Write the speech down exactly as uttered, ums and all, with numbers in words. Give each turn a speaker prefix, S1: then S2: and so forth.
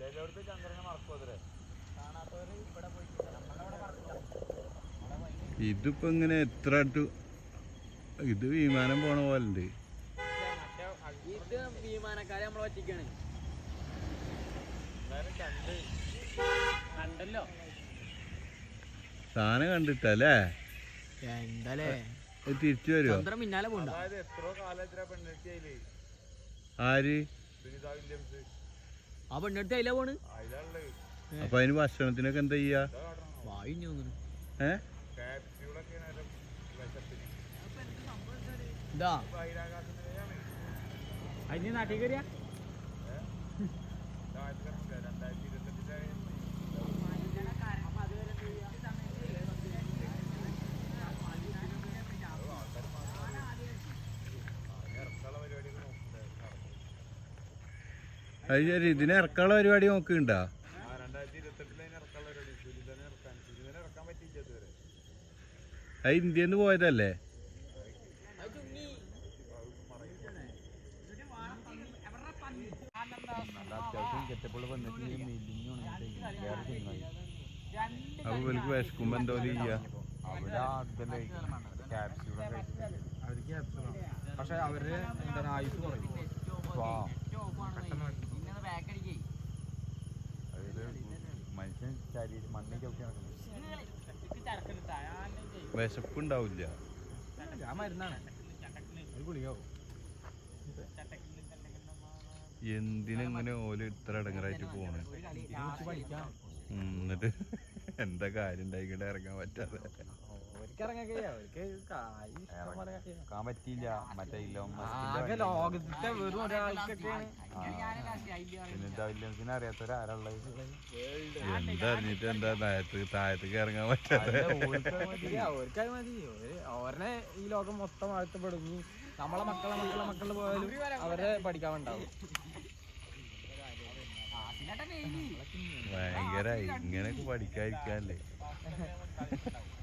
S1: ഇതിപ്പോ ഇങ്ങനെ എത്ര അടുത്ത് ഇത് വിമാനം പോണ പോലുണ്ട്.
S2: ഇത് വിമാനക്കാരെ നമ്മളെ പറ്റിക്കാണ്. കണ്ടല്ലോ
S1: സാധനം കണ്ടിട്ടല്ലേ
S2: എന്താലേ
S1: തിരിച്ചു വരുമോ?
S2: പിന്നാലെ പോണ്ട.
S1: ആര്
S2: ആ പെണ്ണെടുത്ത് അതിലാ പോണ്.
S1: അപ്പൊ അതിന് ഭക്ഷണത്തിനൊക്കെ എന്താ ചെയ്യാ?
S2: വായിഞ്ഞു
S1: ഏ
S2: ഇതാ അതിന് നാട്ടിൽ കയറിയാ
S1: അത് ശരി. ഇതിനെ ഇറക്കാനുള്ള പരിപാടി നോക്കുന്നുണ്ടാ? അത് ഇന്ത്യന്ന് പോയതല്ലേ? അപ്പൊ ഇവർക്ക് വിശക്കുമ്പോ എന്തോ ചെയ്യാ?
S3: പക്ഷെ അവര് എന്താണ് ആയുസ് കുറയും.
S1: മനുഷ്യൻ ശരീരം മണ്ണിൽ ചവിട്ടി വിശപ്പുണ്ടാവില്ല.
S3: ആ മരുന്നാണ് ഗുളികാവും.
S1: എന്തിനെങ്ങനെ ഓല് ഇത്ര ഇടങ്ങറായിട്ട് പോണ്? എന്നിട്ട് എന്താ കാര്യം ഉണ്ടായിക്കിട്ട് ഇറങ്ങാൻ പറ്റാതെ? ഇറങ്ങാൻ പറ്റിയില്ല. മറ്റേ
S3: ലോകത്തെ വെറും ഒരാൾക്കൊക്കെയാണ്.
S1: പിന്നെ അറിയാത്തവരാരുള്ളത്? എന്താ അറിഞ്ഞിട്ട് എന്താ താഴത്ത് താഴത്തേക്ക് ഇറങ്ങാൻ പറ്റാതെ?
S3: അവർക്കത് മതി. ഓരനെ ഈ ലോകം മൊത്തം വാഴ്ത്തപ്പെടും. നമ്മളെ മക്കളെ മക്കളെ മക്കള് പോയാലും അവരെ പഠിക്കാൻ ഉണ്ടാവും.
S1: ഭയങ്കരായി ഇങ്ങനെയൊക്കെ പഠിക്കാതിരിക്കാല്ലേ?